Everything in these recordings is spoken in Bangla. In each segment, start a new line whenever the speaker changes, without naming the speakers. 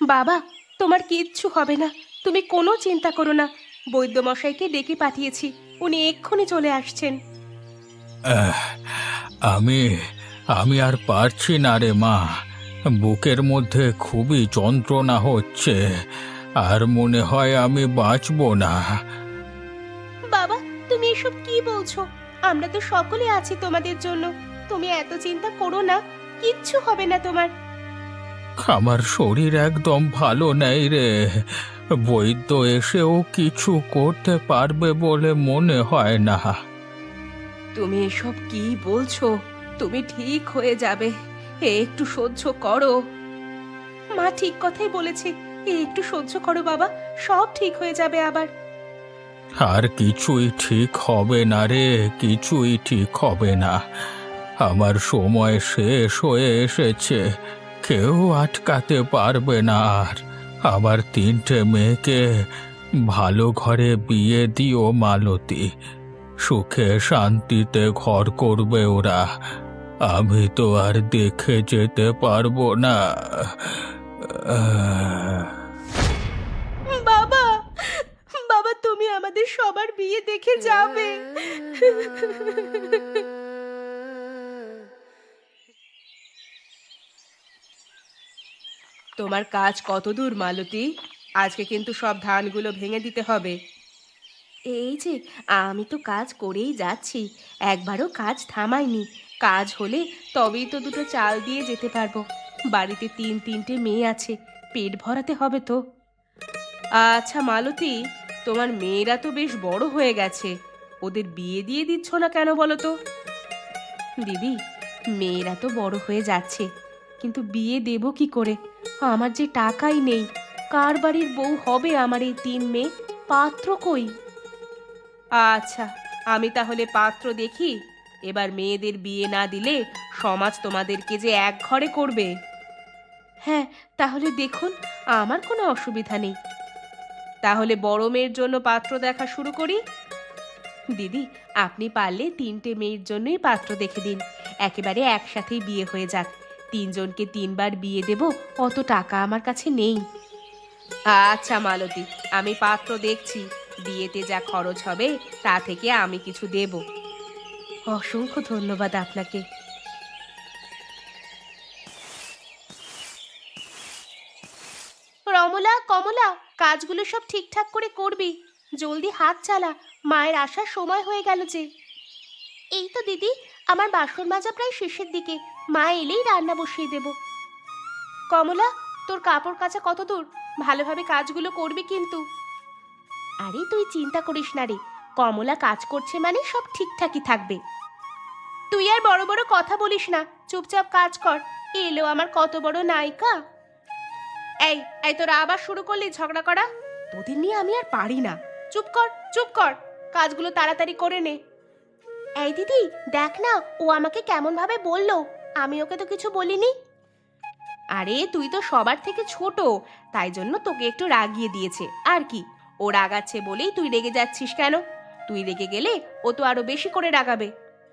বাবা, তোমার কিচ্ছু হবে না, তুমি কোনো চিন্তা করো না। বৈদ্যমশাইকে ডেকে পাঠিয়েছি, উনি এক্ষুনি চলে আসছেন।
আহ, আমি আমি আর পারছি না রে মা। বুকের মধ্যে খুবই যন্ত্রণা হচ্ছে, আর মনে হয় আমি বাঁচবো না।
বাবা, তুমি এসব কি বলছো? আমরা তো সকলে আছি তোমাদের জন্য। তুমি এত চিন্তা করো না, কিচ্ছু হবে না তোমার।
আমার শরীর একদম ভালো নেই রে। বৈদ্য এসেও কিছু করতে পারবে বলে মনে হয় না।
তুমি এসব কি বলছো? তুমি ঠিক হয়ে যাবে, একটু সহ্য করো। মা ঠিক কথাই বলেছে, একটু সহ্য করো বাবা, সব ঠিক হয়ে যাবে আবার।
আর কিছুই ঠিক হবে না রে, কিছুই ঠিক হবে না। আমার সময় শেষ হয়ে এসেছে, কেউ আটকাতে পারবে না আর। আমার 3টে মেয়েকে ভালো ঘরে বিয়ে দিও মালতী। সুখে শান্তিতে ঘর করবে ওরা। আমি তো আর দেখে যেতে পারবো না। আহ,
বাবা, বাবা তুমি আমাদের সবার বিয়ে দেখে যাবে। তোমার কাজ কত দূর মালতী? আজকে কিন্তু সব ধানগুলো ভেঙে দিতে হবে। এই যে, আমি তো কাজ করেই যাচ্ছি, একবারও কাজ থামাইনি। কাজ হলে তবেই তো দুটো চাল দিয়ে যেতে পারবো। বাড়িতে 3-3টে মেয়ে আছে, পেট ভরাতে হবে তো। আচ্ছা মালতী, তোমার মেয়েরা তো বেশ বড় হয়ে গেছে, ওদের বিয়ে দিয়ে দিচ্ছ না কেন বলো তো? দিদি, মেয়েরা তো বড় হয়ে যাচ্ছে, কিন্তু বিয়ে দেব কি করে? আমার যে টাকাই নেই। কার বাড়ির বউ হবে আমার এই 3 মেয়ে? পাত্র কই? আচ্ছা, আমি তাহলে পাত্র দেখি। এবার মেয়েদের বিয়ে না দিলে সমাজ তোমাদেরকে যে এক ঘরে করবে। হ্যাঁ, তাহলে দেখুন, আমার কোনো অসুবিধা নেই। তাহলে বড় মেয়ের জন্য পাত্র দেখা শুরু করি। দিদি, আপনি পারলে 3টে মেয়ের জন্যই পাত্র দেখে দিন, একেবারে একসাথেই বিয়ে হয়ে যাক। 3জনকে 3বার বিয়ে দেব, অত টাকা আমার কাছে নেই। আচ্ছা মালতী, আমি পাত্র দেখছি। বিয়েতে যা খরচ হবে তা থেকে আমি কিছু দেব। অসংখ্য ধন্যবাদ আপনাকে। রমলা, কমলা, কাজগুলো সব ঠিকঠাক করে করবি। জলদি হাত চালা, মায়ের আসার সময় হয়ে গেল যে। এই তো দিদি, আমার বাসন মাজা প্রায় শেষের দিকে, মা এলেই রান্না বসিয়ে দেব। কমলা, তোর কাপড় কাচা কত দূর? ভালোভাবে কাজগুলো করবি কিন্তু। আরে তুই চিন্তা করিস না রে, কমলা কাজ করছে মানে সব ঠিকঠাকই থাকবে। তুই আর বড় বড় কথা বলিস না, চুপচাপ কাজ কর। এলো আমার কত বড় নায়িকা। এই এই তোরা আবার শুরু করলি ঝগড়া করা? তোদের নিয়ে আমি আর পারি না। চুপ কর, চুপ কর, কাজগুলো তাড়াতাড়ি করে নে। এই দিদি, দেখ না, ও আমাকে কেমন ভাবে বললো। আমি ওকে তো কিছু বলিনি। আরে তুই তো সবার থেকে ছোট, তাই জন্য তোকে একটু রাগিয়ে দিয়েছে আর কি। ও রাগাচ্ছে বলেই তুই রেগে যাচ্ছিস কেন? তুই রেগে গেলে ও তো আরো বেশি করে রাগাবে।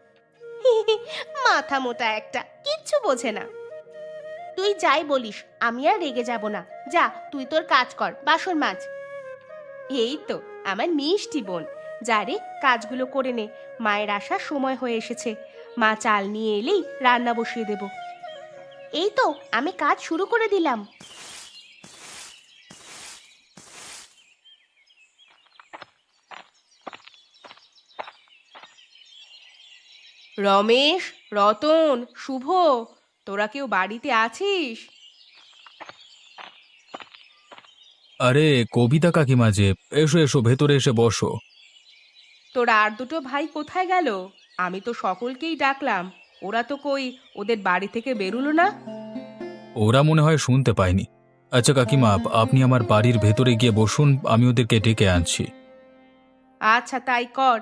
মাথা মোটা একটা, কিচ্ছু বোঝে না। তুই যাই বলিস, আমি আর রেগে যাব না। যা, তুই তোর কাজ কর, বাসন মাজ। এই তো আমার মিষ্টি বোন। যা রে, কাজগুলো করে নে, মায়ের আসার সময় হয়ে এসেছে। মা চাল নিয়ে এলেই রান্না বসিয়ে দেব। এই তো আমি কাজ শুরু করে দিলাম। রমেশ, রতন, শুভ, তোরা কেউ বাড়িতে আছিস?
আরে কবিতা কাকিমা যে, এসো এসো ভেতরে এসে বসো।
তোরা আর দুটো ভাই কোথায় গেল? আমি তো সকলকেই ডাকলাম, ওরা তো কই, ওদের বাড়ি থেকে বেরুলো না।
ওরা মনে হয় শুনতে পায়নি। আচ্ছা কাকিমা, আপনি আমার বাড়ির ভেতরে গিয়ে বসুন, আমি ওদেরকে ডেকে আনছি।
আচ্ছা তাই কর।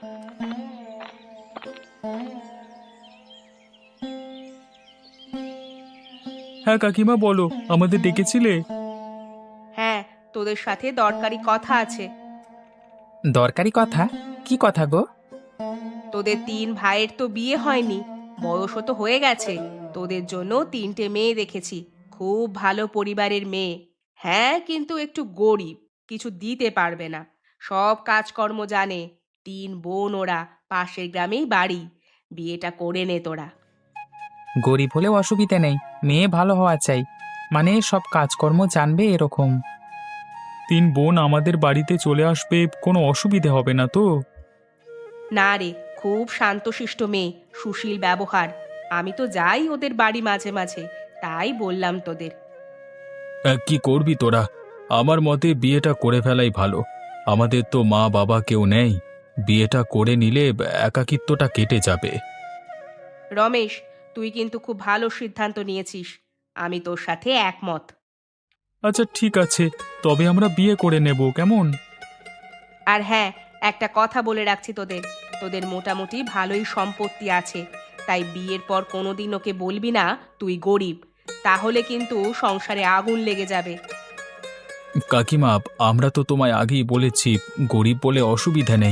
হ্যাঁ কাকিমা বলো, আমাদের ডেকেছিলে?
হ্যাঁ, তোদের সাথে দরকারি কথা আছে।
দরকারি কথা? কি কথা গো?
তোদের 3 ভাইয়ের তো বিয়ে হয়নি, বয়সও তো হয়ে গেছে। তোদের জন্য 3টে মেয়ে দেখেছি, খুব ভালো পরিবারের মেয়ে। হ্যাঁ, কিন্তু একটু গরিব, কিছু দিতে পারবে না। সব কাজকর্ম জানে। ৩ বোন ওরা, পাশের গ্রামেই বাড়ি। বিয়েটা করে নে তোরা।
গরিব হলেও অসুবিধে নেই, মেয়ে ভালো হওয়া চাই, মানে সব কাজকর্ম জানবে এরকম।
3 বোন আমাদের বাড়িতে চলে আসবে, কোনো অসুবিধে হবে না তো?
না রে, খুব শান্তশিষ্ট মেয়ে, সুশীল ব্যবহার। আমি তো যাই ওদের বাড়ি মাঝে মাঝে, তাই বললাম তোদের।
কি করবি তোরা? আমার মতে বিয়েটা করে ফেলাই ভালো। আমাদের তো মা বাবা কেউ নেই। বিয়েটা করে নিলে একাকিত্বটা কেটে যাবে।
রমেশ, তুই কিন্তু খুব ভালো সিদ্ধান্ত নিয়েছিস। আমি তোর সাথে একমত।
আচ্ছা ঠিক আছে, তবে আমরা বিয়ে করে নেব, কেমন?
আর হ্যাঁ, একটা কথা বলে রাখছি তোদের, তোদের মোটামুটি ভালোই সম্পত্তি আছে। তাই বিয়ের পর কোনোদিন ওকে বলবি না তুই গরিব, তাহলে কিন্তু সংসারে আগুন লেগে যাবে।
কাকিমা, আমরা তো তোমায় আগেই বলেছি, গরিব বলে অসুবিধা নেই।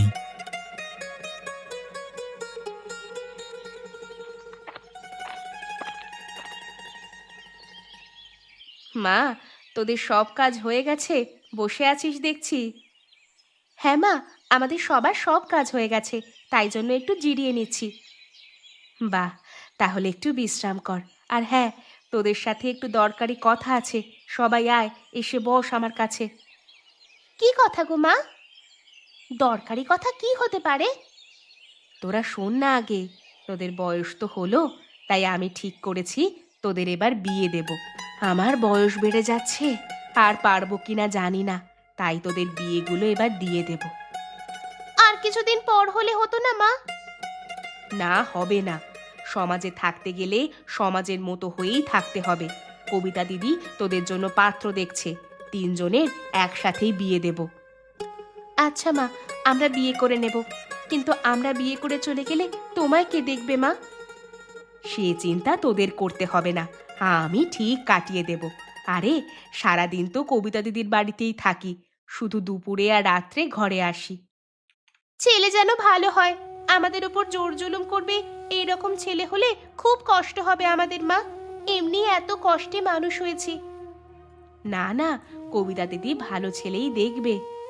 মা, তোদের সব কাজ হয়ে গেছে? বসে আছিস দেখছি। হ্যাঁ মা, আমাদের সবার সব কাজ হয়ে গেছে, তাই জন্য একটু জিরিয়ে নিচ্ছি। বাহ, তাহলে একটু বিশ্রাম কর। আর হ্যাঁ, তোদের সাথে একটু দরকারি কথা আছে। সবাই আয়, এসে বস আমার কাছে। কি কথা গো মা? দরকারি কথা কি হতে পারে? তোরা শোন না আগে। তোদের বয়স তো হলো, তাই আমি ঠিক করেছি তোদের এবার বিয়ে দেব। আমার বয়স বেড়ে যাচ্ছে, আর পারবো কিনা জানি না, তাই তোদের বিয়েগুলো এবার দিয়ে দেব। আর কিছুদিন পর হলে হতো না মা? না, হবে না। সমাজে থাকতে গেলে সমাজের মতো হয়েই থাকতে হবে। কবিতা দিদি তোদের জন্য পাত্র দেখছে, 3 জনের একসাথেই বিয়ে দেব। আচ্ছা মা, আমরা বিয়ে করে নেব, কিন্তু আমরা বিয়ে করে চলে গেলে তোমায় কে দেখবে মা? সে চিন্তা তোদের করতে হবে না, আমি ঠিক কাটিয়ে দেব। আরে, সারাদিন তো কবিতা দিদির বাড়িতেই থাকি, শুধু দুপুরে আর রাত্রে ঘরে আসি। ছেলে যেন ভালো হয়, আমাদের উপর জোর জুলুম করবে এরকম ছেলে হলে খুব কষ্ট হবে আমাদের মা। এমনি এত কষ্টে মানুষ হয়েছি। না না, কবিতা দিদি ভালো ছেলেই দেখবে।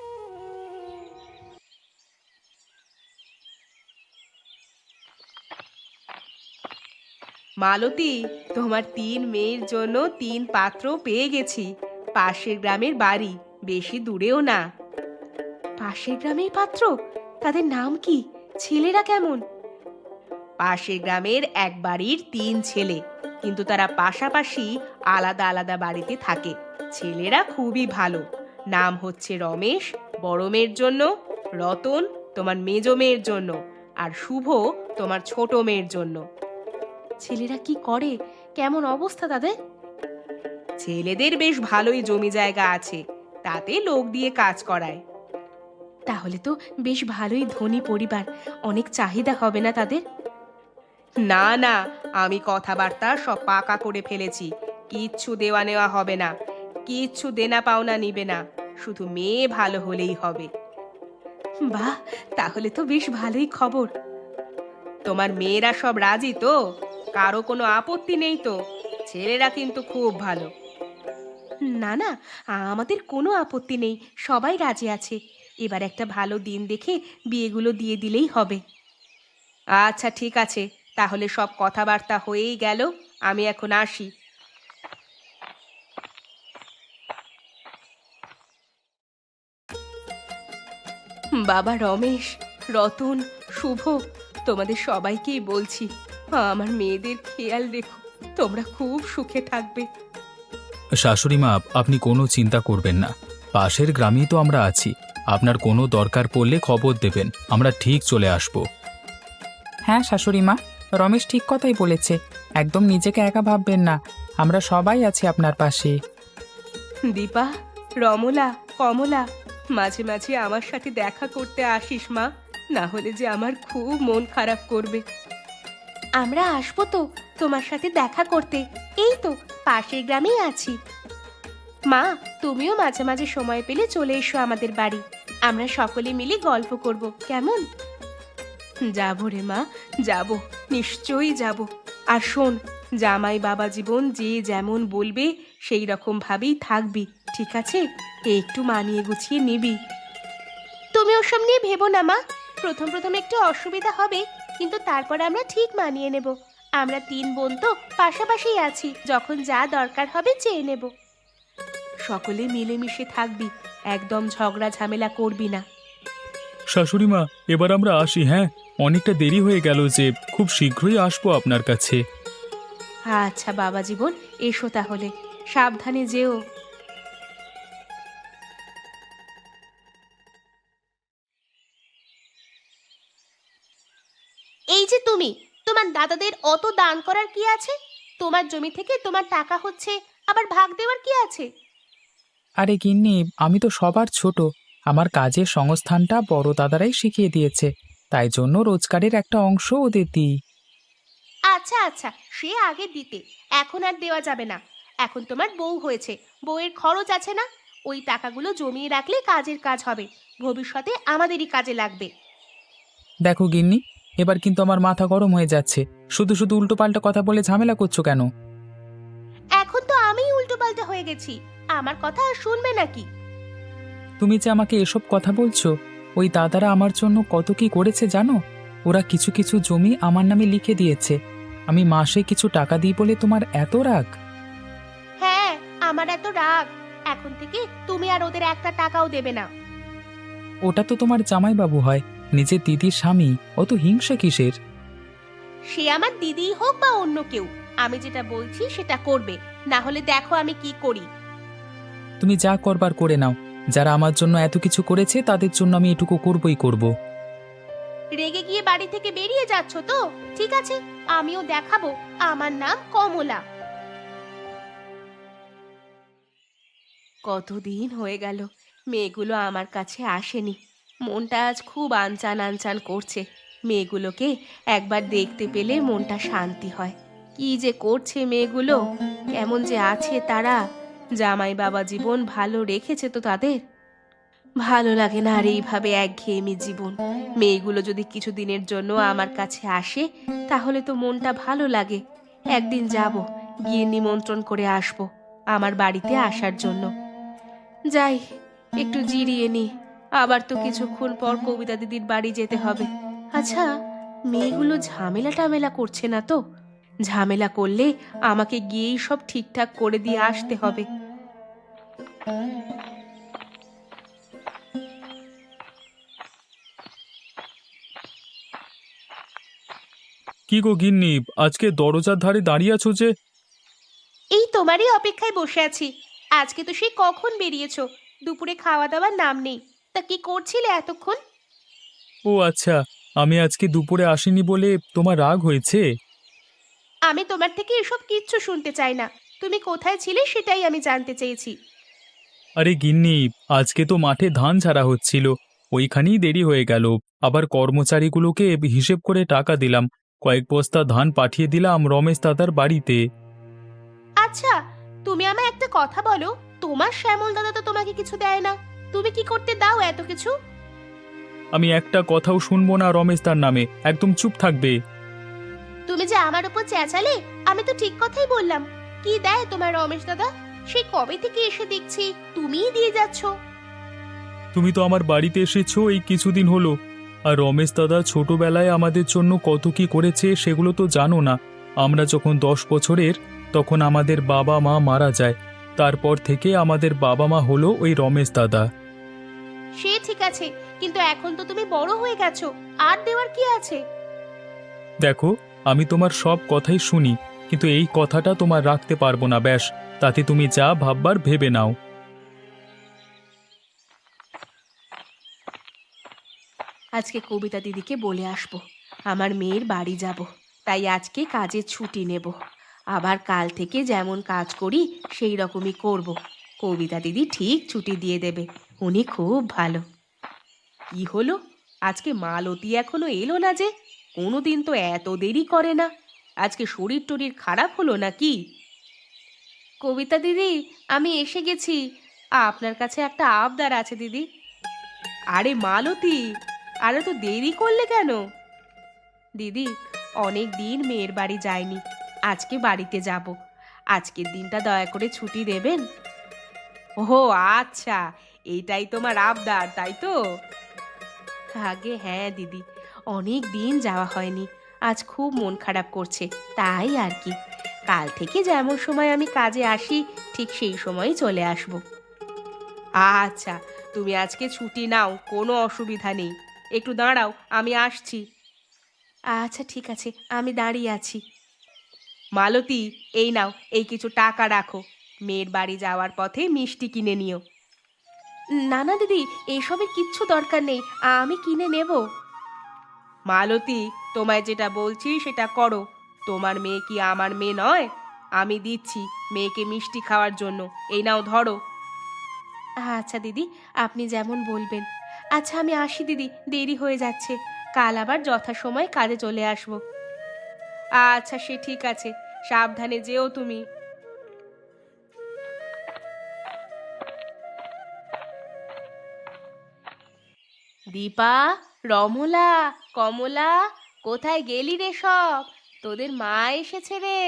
মালতী, তোমার 3 মেয়ের জন্য 3 পাত্র পেয়ে গেছি। পাশের গ্রামের বাড়ি, বেশি দূরেও না। পাশের গ্রামের পাত্র? তাদের নাম কি? ছেলেরা কেমন? পাশের গ্রামের এক বাড়ির 3 ছেলে, কিন্তু তারা পাশাপাশি আলাদা আলাদা বাড়িতে থাকে। ছেলেরা খুবই ভালো। নাম হচ্ছে রমেশ বড় মেয়ের জন্য, রতন তোমার মেজ মেয়ের জন্য, আর শুভ তোমার ছোট মেয়ের জন্য। ছেলেরা কি করে? কেমন অবস্থা তাদের? ছেলেদের বেশ ভালোই জমি জায়গা আছে, তাতে লোক দিয়ে কাজ করায়। তাহলে তো বেশ ভালোই ধনী পরিবার, অনেক চাহিদা হবে না তাদের? না না, আমি কথাবার্তা সব পাকা করে ফেলেছি। কিচ্ছু দেওয়া নেওয়া হবে না, কিচ্ছু দেনা পাওনা নিবে না, শুধু মেয়ে ভালো হলেই হবে। বাহ, তাহলে তো বেশ ভালোই খবর। তোমার মেয়েরা সব রাজি তো? কারো কোনো আপত্তি নেই তো? ছেলেরা কিন্তু খুব ভালো। না না, আমাদের কোনো আপত্তি নেই, সবাই রাজি আছে। এবার একটা ভালো দিন দেখে বিয়েগুলো দিয়ে দিলেই হবে। আচ্ছা ঠিক আছে, তাহলে সব কথাবার্তা হয়েই গেল, আমি এখন আসি। বাবা রমেশ, রতন, শুভ, তোমাদের সবাইকেই বলছি, আমার মেয়েদের খেয়াল রেখো, তোমরা খুব সুখে থাকবে।
শাশুড়ি মা, আপনি কোনো চিন্তা করবেন না। পাশের গ্রামেই তো আমরা আছি। আপনার কোনো দরকার পড়লে খবর দেবেন, আমরা ঠিক চলে আসব।
হ্যাঁ শাশুড়ি মা, রমেশ ঠিক কথাই বলেছে, একদম নিজেকে একা ভাববেন না, আমরা সবাই আছি আপনার পাশে।
দীপা, রমলা, কমলা, মাঝে মাঝে আমার সাথে দেখা করতে আসিস মা, না হলে যে আমার খুব মন খারাপ করবে। আমরা আসবো তো তোমার সাথে দেখা করতে, এই তো পাশের গ্রামেই আছি। মা, তুমিও মাঝে মাঝে সময় পেলে চলে এসো আমাদের বাড়ি, আমরা সকলে মিলে গল্প করব, কেমন? যাবো রে মা, যাব, নিশ্চয়ই যাব। আর শোন, জামাই বাবা জীবন যে যেমন বলবে সেই রকম ভাবেই থাকবি, ঠিক আছে, একটু মানিয়ে গুছিয়ে নিবি। তুমি ওসব নিয়ে ভেবো না মা। প্রথম প্রথম একটু অসুবিধা হবে, কিন্তু তারপর আমরা ঠিক মানিয়ে নেব। আমরা 3 বোন তো পাশাপাশি আছি, যখন যা দরকার হবে চেয়ে নেব। সকলে মিলেমিশে থাকবি, একদম ঝগড়া ঝামেলা করবি না।
শাশুড়ি মা, এবার আমরা আসি। হ্যাঁ, অনেকটা দেরি হয়ে গেল, যে খুব শীঘ্রই আসবো আপনার কাছে।
আচ্ছা বাবা জীবন, এসো তাহলে, সাবধানে যেও। এই যে তুমি, তোমার দাদাদের অত দান করার কি আছে? তোমার জমি থেকে তোমার টাকা হচ্ছে, আবার ভাগ দেওয়ার কি আছে?
আরে গিন্নি, আমি তো সবার ছোট। আমার কাজের সংস্থানটা বড় দাদারাই শিখিয়ে দিয়েছে, তাই জন্য রোজগারের একটা অংশ ওদের দিই।
আচ্ছা আচ্ছা, সে আগে দিতে, এখন আর দেওয়া যাবে না। এখন তোমার বউ হয়েছে, বউয়ের খরচ আছে না? ওই টাকাগুলো জমিয়ে রাখলে কাজের কাজ হবে, ভবিষ্যতে আমাদেরই কাজে লাগবে।
দেখো গিন্নি, এবার কিন্তু আমার মাথা গরম হয়ে যাচ্ছে। শুধু শুধু উল্টোপাল্টা কথা বলে ঝামেলা করছো কেন?
এখন তো আমিই উল্টোপাল্টা হয়ে গেছি, আমার কথা আর শুনবে নাকি?
তুমি যে আমাকে এসব কথা বলছো, ওই দাদারা আমার জন্য কত কি করেছে জানো? ওরা কিছু কিছু জমি আমার নামে লিখে দিয়েছে। আমি মাসে কিছু টাকা দিই বলে তোমার এত রাগ?
হ্যাঁ, আমার এত রাগ। এখন থেকে তুমি আর ওদের একটা টাকাও দেবে না।
ওটা তো তোমার জামাইবাবু হয়, নিজের দিদির স্বামী, অত হিংসা কিসের?
সে আমার দিদিই হোক বা অন্য কেউ, আমি যেটা বলছি সেটা করবে, না হলে দেখো আমি কি করি।
তুমি যা করবার করে নাও। যারা আমার জন্য এত কিছু করেছে তাদের জন্য আমি এটুকু করবই করব।
রেগে গিয়ে বাড়ি থেকে বেরিয়ে যাচ্ছ তো? ঠিক আছে, আমিও দেখাবো আমার নাম কমলা। কতদিন হয়ে গেল মেয়েগুলো আমার কাছে আসেনি। মনটা আজ খুব আনচান আনচান করছে। মেয়েগুলোকে একবার দেখতে পেলে মনটা শান্তি হয়। কি যে করছে মেয়েগুলো, কেমন যে আছে তারা। জামাই বাবা জীবন ভালো রেখেছে তো তাদের। ভালো লাগে না আর এইভাবে একঘেয়েমি জীবন। মেয়েগুলো যদি কিছুদিনের জন্য আমার কাছে আসে, তাহলে তো মনটা ভালো লাগে। একদিন যাব, গিয়ে নিমন্ত্রণ করে আসব আমার বাড়িতে আসার জন্য। যাই, একটু জিরিয়ে নি, আবার তো কিছুক্ষণ পর কবিতা দিদির বাড়ি যেতে হবে। আচ্ছা, মেয়েগুলো ঝামেলা টামেলা করছে না তো? ঝামেলা করলে আমাকে গিয়েই সব ঠিকঠাক করে দিয়ে আসতে হবে।
কি গো গিন্নি, আজকে দরজার ধারে দাঁড়িয়ে আছো যে?
এই তোমারই অপেক্ষায় বসে আছি। আজকে তো সেই কখন বেরিয়েছো, দুপুরে খাওয়া দাওয়ার নাম নেই। তা কি করছিলে এতক্ষণ?
ও আচ্ছা, আমি আজকে দুপুরে আসিনি বলে তোমার রাগ হয়েছে?
আমি তোমার থেকে এসব কিচ্ছু শুনতে চাই না। তুমি কোথায় ছিলে সেটাই আমি জানতে চেয়েছি।
আরে গিন্নি, আজকে তো মাঠে ধান ঝাড়া হচ্ছিল, ওইখানেই দেরি হয়ে গেল। আবার কর্মচারীগুলোকে হিসেব করে টাকা দিলাম, কয়েক বস্তা ধান পাঠিয়ে দিলাম রমেশ দাদার বাড়িতে।
আচ্ছা, তুমি আমায় একটা কথা বলো, তোমার শ্যামল দাদা তো তোমাকে কিছু দেয় না, তুমি কি করতে দাও এত কিছু?
আমি একটা কথাও শুনবো না রমেশ দার নামে, একদম চুপ থাকবে।
তুমি যে আমার উপর চেঁচালে, আমি তো ঠিক কথাই বললাম। কি দেয় তোমার রমেশ দাদা? সেই কবে থেকে এসে দেখছি তুমিই দিয়ে যাচ্ছ।
তুমি তো আমার বাড়িতে এসেছো এই কিছুদিন হলো, আর রমেশ দাদা ছোটবেলায় আমাদের জন্য কত কি করেছে সেগুলো তো জানো না। আমরা যখন 10 বছরের, তখন আমাদের বাবা মা মারা যায়। তারপর থেকে আমাদের বাবা মা হলো ওই রমেশ দাদা।
সে ঠিক আছে, কিন্তু এখন তো তুমি বড় হয়ে গেছো, আর দেওয়ার কি আছে?
দেখো, আমি তোমার সব কথাই শুনি, কিন্তু এই কথাটা তোমার রাখতে পারবো না, ব্যাস। তাতে তুমি যা ভাববার ভেবে নাও।
আজকে কবিতা দিদিকে বলে আসবো আমার মেয়ের বাড়ি যাব, তাই আজকে কাজের ছুটি নেব। আবার কাল থেকে যেমন কাজ করি সেই রকমই করব। কবিতা দিদি ঠিক ছুটি দিয়ে দেবে, উনি খুব ভালো। কি হলো, আজকে মালতী এখনো এলো না যে? কোনোদিন তো এত দেরি করে না। আজকে শরীর টরীর খারাপ হলো নাকি? কবিতা দিদি, আমি এসে গেছি। আপনার কাছে একটা আবদার আছে দিদি। আরে মালতী, আরে তো দেরি করলে কেন? দিদি, অনেক দিন মেয়ের বাড়ি যায়নি, আজকে বাড়িতে যাব। আজকের দিনটা দয়া করে ছুটি দেবেন? ও আচ্ছা, এইটাই তোমার আবদার তাই তো? আগে হ্যাঁ দিদি, অনেক দিন যাওয়া হয়নি। আজ খুব মন খারাপ করছে, তাই আর কি। কাল থেকে যেমন সময় আমি কাজে আসি ঠিক সেই সময়ই চলে আসব। আচ্ছা, তুমি আজকে ছুটি নাও, কোনো অসুবিধা নেই। একটু দাঁড়াও, আমি আসছি। আচ্ছা ঠিক আছে, আমি দাঁড়িয়ে আছি। মালতী, এই নাও, এই কিছু টাকা রাখো। মেয়ের বাড়ি যাওয়ার পথে মিষ্টি কিনে নিও। না না দিদি, এসবের কিচ্ছু দরকার নেই, আমি কিনে নেব। মালতী, তোমায় যেটা বলছি সেটা করো। তোমার মেয়ে কি আমার মেয়ে নয়? আমি দিচ্ছি মেয়েকে মিষ্টি খাওয়ার জন্য। এই নাও ধরো। আচ্ছা দিদি, আপনি যেমন বলবেন। আচ্ছা আমি আসি দিদি, দেরি হয়ে যাচ্ছে। কাল আবার যথাসময়ে কাজে চলে আসব। আচ্ছা সে ঠিক আছে, সাবধানে যেও তুমি। দীপা, রমলা, কমলা, কোথায় গেলি রে সব? তোদের মা এসেছে রে।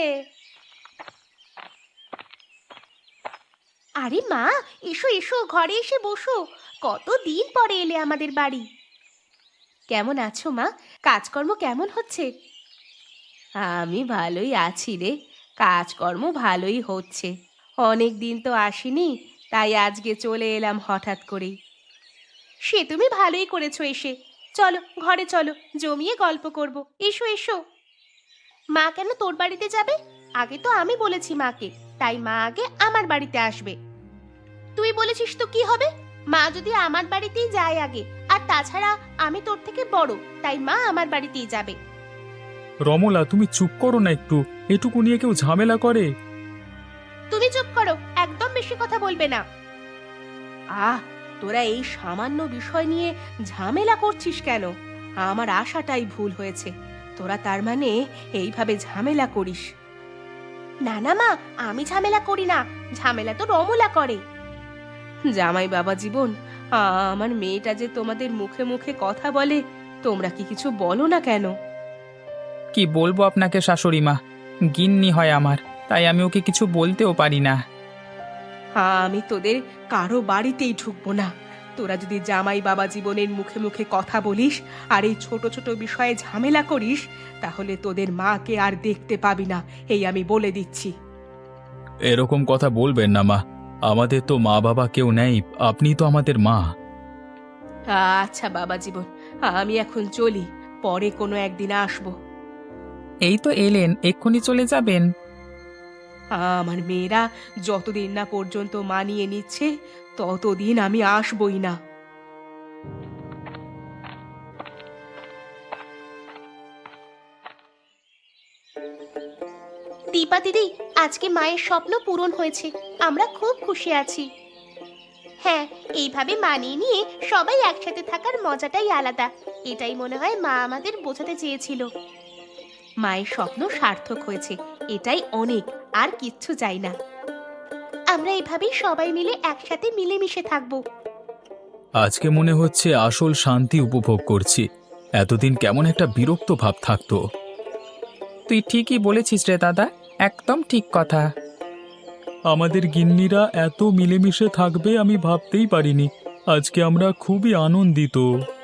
আরে মা, এসো এসো, ঘরে এসে বসো। কতদিন পরে এলে আমাদের বাড়ি। কেমন আছো মা? কাজকর্ম কেমন হচ্ছে? আমি ভালোই আছি রে, কাজকর্ম ভালোই হচ্ছে। অনেক দিন তো আসিনি, তাই আজকে চলে এলাম হঠাৎ করেই। সে তুমি ভালোই করেছো এসে। চলো ঘরে চলো, জমিয়ে গল্প করব। এসো এসো। মা কেন তোর বাড়িতে যাবে? আগে তো আমি বলেছি মাকে, তাই মা আগে আমার বাড়িতে আসবে। তুই বলেছিস তো কি হবে? মা যদি আমার বাড়িতেই যায় আগে, আর তাছাড়া আমি তোর থেকে বড়, তাই মা আমার বাড়িতেই যাবে।
রমলা, তুমি চুপ করো না একটু। এটুকু নিয়ে কেউ ঝামেলা করে?
তুমি চুপ করো, একদম বেশি কথা বলবে না। আহ, তোরা এই সামান্য বিষয় নিয়ে ঝামেলা করছিস কেন? আমার আশাটাই ভুল হয়েছে। তোরা তার মানে এইভাবে ঝামেলা করিস? না না মা, আমি ঝামেলা করি না, ঝামেলা তো রমলা করে। জামাই বাবা জীবন, আমার মেয়েটা যে তোমাদের মুখে মুখে কথা বলে, তোমরা কি কিছু বলো না কেন?
কি বলবো আপনাকে শাশুড়ি মা, গিন্নি হয় আমার, তাই আমি ওকে কিছু বলতেও পারি না।
আমি তোদের কারো বাড়িতেই ঢুকবো না। তোরা যদি জামাই বাবা জীবনের মুখে মুখে কথা বলিস আর এই ছোট ছোট বিষয়ে ঝামেলা করিস, তাহলে তোদের মাকে আর দেখতে পাবি না, এই আমি বলে দিচ্ছি।
এরকম কথা বলবেন না মা, আমাদের তো মা বাবা কেউ নেই, আপনি তো আমাদের মা।
আচ্ছা বাবা জীবন, আমি এখন চলি, পরে কোনো একদিন আসবো।
এই তো এলেন, এক্ষুনি চলে যাবেন?
আমার মেয়েরা যতদিন না পর্যন্ত মানিয়ে নিচ্ছে, ততদিন আমি আসবই না। দীপা দিদি, আজকে মায়ের স্বপ্ন পূরণ হয়েছে, আমরা খুব খুশি আছি। হ্যাঁ, এইভাবে মানিয়ে নিয়ে সবাই একসাথে থাকার মজাটাই আলাদা। এটাই মনে হয় মা আমাদের বোঝাতে চেয়েছিল। মায়ের স্বপ্ন সার্থক হয়েছে, এটাই অনেক, আর কিচ্ছু চাই না। আমরা এভাবেই সবাই মিলে একসাথে মিলেমিশে থাকবো।
আজকে মনে হচ্ছে আসল শান্তি উপভোগ করছি। এতদিন কেমন একটা বিরক্ত ভাব থাকতো।
তুই ঠিকই বলেছিস রে দাদা, একদম ঠিক কথা।
আমাদের গিন্নিরা এত মিলেমিশে থাকবে আমি ভাবতেই পারিনি। আজকে আমরা খুবই আনন্দিত।